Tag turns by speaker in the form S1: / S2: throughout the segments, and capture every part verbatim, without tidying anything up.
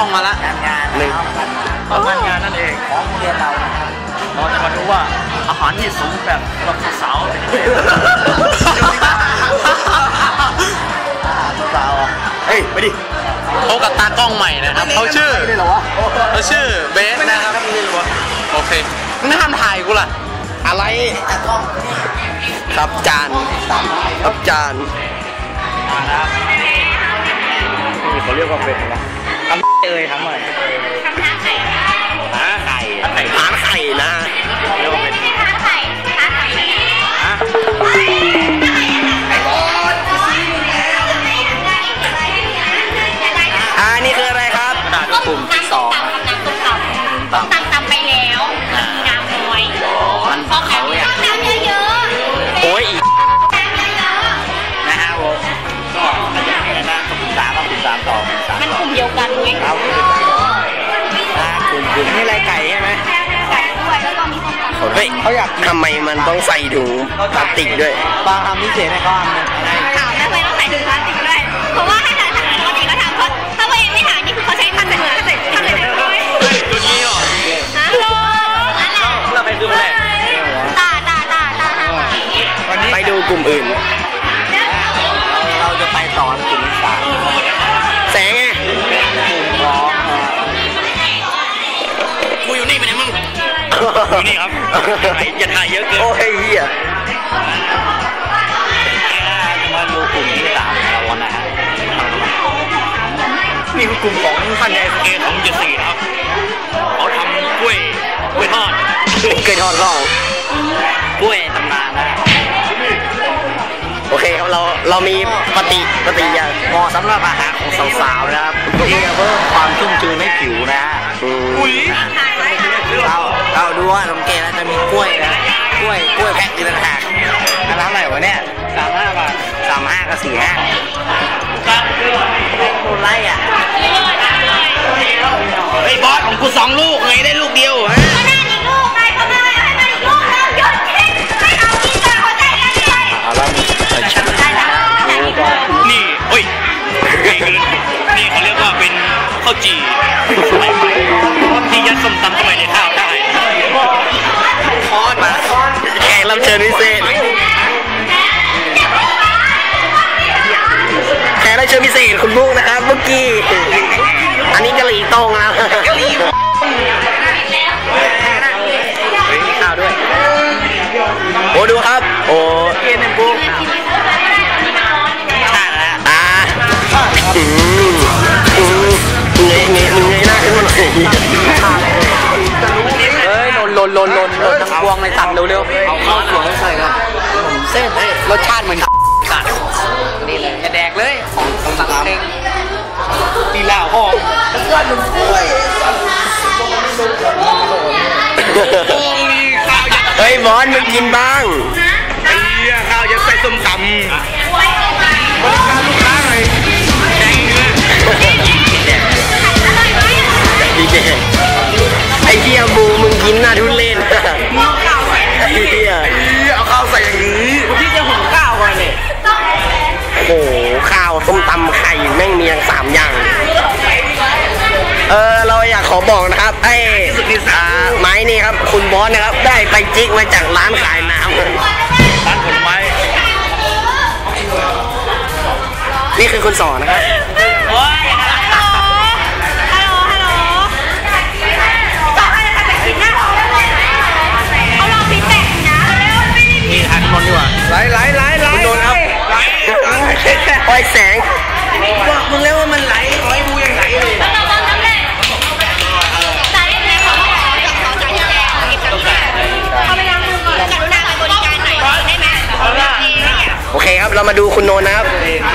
S1: องมาละ
S2: งานหนึ่ง
S1: ต้องงานงานนั่นเอง
S2: ของเรียนเรา
S1: เราจะมาดูว่าอาหารที่สูงแบบสำหรับสาวเป็นยังไง
S2: สาว
S1: เฮ้ยไปดิเขากับตากล้องใหม่นะครับเขาชื่อเขาชื่อเบสนะครับโอเคไม่ห้ามถ่ายกูล่ะอะไรครับจานครับจานมาแล้วเขาเรียกว่าเป็นอะไรทำเอ่ยทำอะไรทำไข่ไข่ทานไข่นะเรียกว่าเป็นทานไข่ทานไข่ฮะอ่านี่คืออะไรครับกลุ่มที่สองน้ำต้มตำตำไปแล้วมีน้ำน้อยมันเขาอยากน้ำเยอะๆโอ้ยนะฮะผมก็อะไรนะกลุ่มสามกลุ่มสามต่อกลุ่มสามมันกลุ่มเดียวกันไหมครับกลุ่มกลุ่มนี่อะไรไก่ใช่ไหมไก่ด้วยแล้วก็มีส้มตำเฮ้ยเขาอยากทำไมมันต้องใส่ถุงพลาสติกด้วยบางทำพิเศษให้เขาทำนะถามทำไมต้องใส่ถุงพลาสติกด้วยเพราะว่าถ้าถ่ายปกติก็ทำเขาถ้าตัวเองไม่ถ่ายนี่คือเขาใช้ผ้าใส่ถุงใส่ผ้าใส่ถุงด้วยตัวนี้หรอฮัลโหลเราไปดูเลยตาตาตาตาไปดูกลุ่มอื่นเราจะไปต่อกลุ่มที่สามแสงไงกูอยู่นี่เป็นไงมึงอยู่นี่ครับอย่าถ่ายเยอะเกินโอ้ยเหี้ยมาดูกลุ่มที่สามเราวันไหนนี่คือกลุ่มของท่านใหญ่เอของเจ็ดสี่นะครับเขาทำกล้วยกล้วยทอดกล้วยทอดร่องกล้วยตำนานนะโอเคครับเราเรามีปฏิปฏิยาเหมาะสำหรับอาหารของสาวๆนะครับที่จะเพิ่มความชุ่มชื้นให้ผิวนะฮะเราเราดูว่าสังเกตแล้วจะมีกล้วยนะกล้วยกล้วยแพ็คอยู่ต่างหากร้านอะไรวะเนี่ยสามห้าบาทสามห้ากับสี่ห้าโคตรไรอ่ะไอ้บอสของกูสองลูกไงได้ลูกเดียวฮะก็ได้อีกลูกไงก็ได้ให้มันอีกลูกแล้วหยุดคิดไม่เอากินกันเขาใจกันเลยเอาละฉันนี่โอ้ยนี่เขาเรียกว่าเป็นข้าวจี่สมัยใหม่ที่ยัดส้มตำเข้าไปในข้าวได้คอนมาแขกรับเชิญพิเศษแขกรับเชิญพิเศษคุณบุ๊กนะครับเมื่อกี้อันนี้กะหรี่ตรงนะกะหรี่มีข้าวด้วยโอ้ดูครับโอ้เอ็นบุ๊กอ่าอืมอืมเงยเงยมึงเงยหน้าขึ้นมาหน่อยเฮ้ยหล่นหล่นหล่นหล่นหล่นทั้งพวงเลยตัดเร็วๆเอาข้าวสวยใส่ครับเส้นรสชาติเหมือนกัดนี่เลยจะแดกเลยของตักเองตีเหล้าห้องเฮ้ยบอลมึงกินบ้างไอ้เหี้ยข้าวจะใส่ส้มตำบริการลูกค้าหน่อยแดงเนื้อดีเจไอ้เหี้ยบูมึงกินหน้าทุเรศไอ้เหี้ยเอาข้าวใส่อย่างนี้ที่จะหุงข้าวก่อนเนี่ยโอ้โหข้าวส้มตำไข่แม่งมีอย่างสามอย่างเออเราอยากขอบอกนะครับไอ้ไม้นี่ครับคุณบอสนะครับได้ไปจิกมาจากร้านขายน้ำร้านผลไม้นี่คือคุณสอนนะครับนี่ทางนนท์ดีกว่าไหลไหลไหลไหลนนท์ครับไหลไฟแสงบอกมึงแล้วว่ามันไหลขอให้ดูยังไหลเลยโอเคครับเรามาดูคุณโนนนะครับ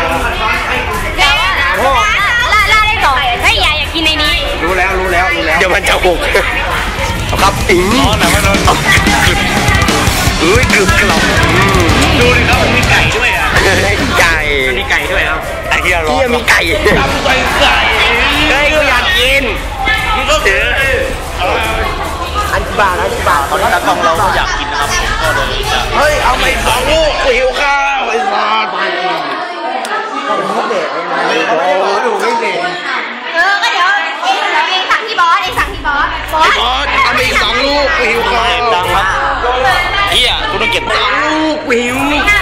S1: ล่าล่าได้ต่อเฮ้ยอย่าอยากกินในนี้รู้แล้วรู้แล้วรู้แล้วเดี๋ยวมันจะหกครับอิงร้อนนะมันร้อนเฮ้ยกรึบกรอบดูดิครับมีไก่ด้วยอ่ะไก่มีไก่ด้วยครับไอ้เหี้ยร้อนมีไก่ทำไก่ไก่เฮ้ยกูอยากกินนี่ก็ถืออันบาทอันบาทตอนนี้ตากล้องเราก็อยากกินนะครับก็เลยจะเฮ้ยเอาไปสองลูกหิวข้าวไอ้สัสไปก็ไม่เด็กไงโอ้ดูไม่เด็กเออก็เดี๋ยวอส
S2: บอสเอาไปอีกสองลูกหิวคอ
S3: ดังครับเฮียกูต้องเก็บ
S2: สองลูกหิว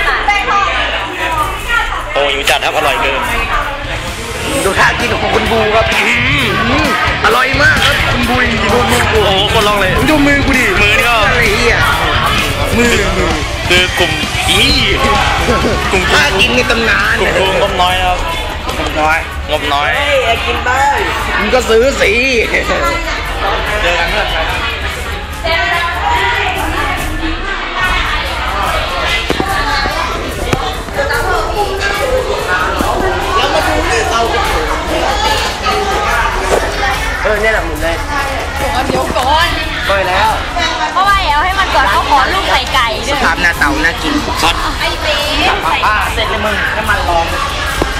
S3: โอ้หิวจัดครับอร่อยเกิน
S2: ดูท่ากินของคุณบูครับอร่อยมากครับคุณบูดูมือกู
S3: โอ้โหคนลองเลย
S2: ดูมือกูดิ
S3: มือนี่ก็
S2: อะไรเหี้ยมือมือ
S3: คือกลุ่มอีกลุ่ม
S2: ท่ากินในตำนาน
S3: กลุ่มกลุ่มงบน้อยครับ
S2: น้อย
S3: งบน้อย
S2: มึงก็ซื้อสิ
S3: เจอกันเพื่อน
S2: เออเนี่ยแหละหมุนได้
S1: ก่อนเดี๋ยวก่อน
S2: ก็แล้ว
S1: เพราะว่าเอาให้มันก่อนเขาขอลูกไข่ไก่ด้วย
S2: ภาพหน้าเต่าน่ากิน
S3: ช็อต
S1: ไอ้เบ๊
S2: ป้าเสร็จเลยมึงน้ำมันร้อน